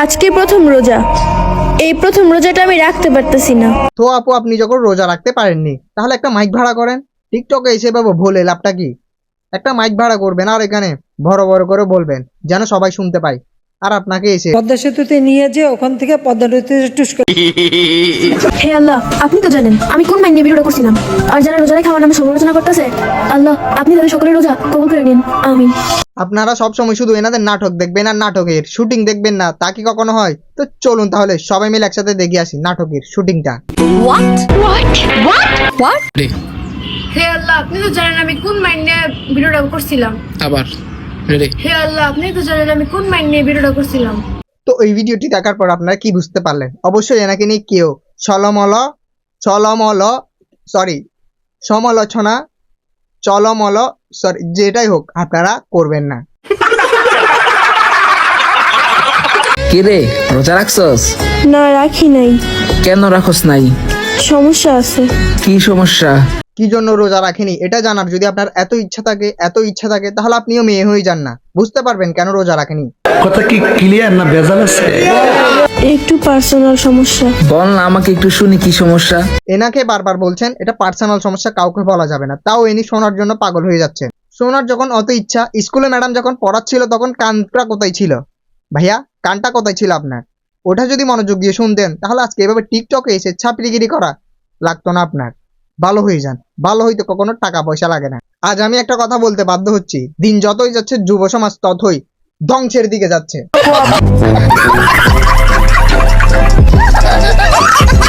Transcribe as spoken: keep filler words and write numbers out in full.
আজকে প্রথম রোজা, এই প্রথম রোজাটা আমি রাখতে পারতেছি না। তো আপু আপনি যখন রোজা রাখতে পারেননি তাহলে একটা মাইক ভাড়া করেন। টিকটকে এসে পাবো ভুলে লাভটা কি? একটা মাইক ভাড়া করবেন আর এখানে বড় বড় করে বলবেন যেন সবাই শুনতে পায়। আর আপনাকে এসে পদ্মা সেতুতে নিয়ে যে ওখান থেকে পদ্মা নদীতে টুস করে হে আল্লাহ, আপনি তো জানেন আমি কোন মাইন্ডে ভিডিওটা করছিলাম, আর যারা রোজা রেখে আমার নামে সমালোচনা করতেছে, আল্লাহ আপনি তাদের সকলের রোজা কবুল করে নিন, আমিন। আপনারা সবসময় শুধু এনাদের নাটক দেখবেন আর নাটকের শুটিং দেখবেন না, তা কি কখনো হয়? তো চলুন তাহলে সবাই মিলে একসাথে দেখে আসি নাটকের শুটিংটা। হে আল্লাহ, আপনি তো জানেন আমি কোন মাইন্ডে ভিডিওটা করছিলাম। আবার রেডি। হে আল্লাহ, আপনি তো জানেন আমি কোন মাইন্ডে ভিডিওটা করছিলাম। তো এই ভিডিওটি দেখার পর আপনারা কি বুঝতে পারলেন? অবশ্যই এনাকে নিয়ে কেউ ছলমল ছলমল সরি সমালোচনা চলমল সরি যেটাই হোক আপনারা করবেন না। কি রে, রোজা রাখছস? না, রাখি নাই। কেন রাখস নাই? সমস্যা আছে। কি সমস্যা? কি জন্য রোজা রাখেনি এটা জানার যদি আপনার এত ইচ্ছা থাকে এত ইচ্ছা থাকে তাহলে আপনিও মেয়ে হয়ে যান না, বুঝতে পারবেন কেন রোজা রাখেনি। কথা কি ক্লিয়ার না ভেজাল আছে? একটু পার্সোনাল সমস্যা। বল না আমাকে একটু শুনি কি সমস্যা। এনাকে বারবার বলছেন এটা পার্সোনাল সমস্যা, কাউকে বলা যাবে না, তাও এনি শোনার জন্য পাগল হয়ে যাচ্ছে। শোনার যখন অত ইচ্ছা, স্কুলে ম্যাডাম যখন পড়াচ্ছিল তখন কানটা কোথায় ছিল ভাইয়া? কানটা কোথায় ছিল আপনার? ওটা যদি মনোযোগ দিয়ে শুনতেন তাহলে আজকে এভাবে টিকটকে এসে ছাপড়িগিরি করা লাগতো না আপনার। ভালো হয়ে যান, ভালো হইতে কখনো টাকা পয়সা লাগে না। আজ আমি একটা কথা বলতে বাধ্য হচ্ছি, দিন যতই যাচ্ছে যুব সমাজ ততই ধ্বংসের দিকে যাচ্ছে।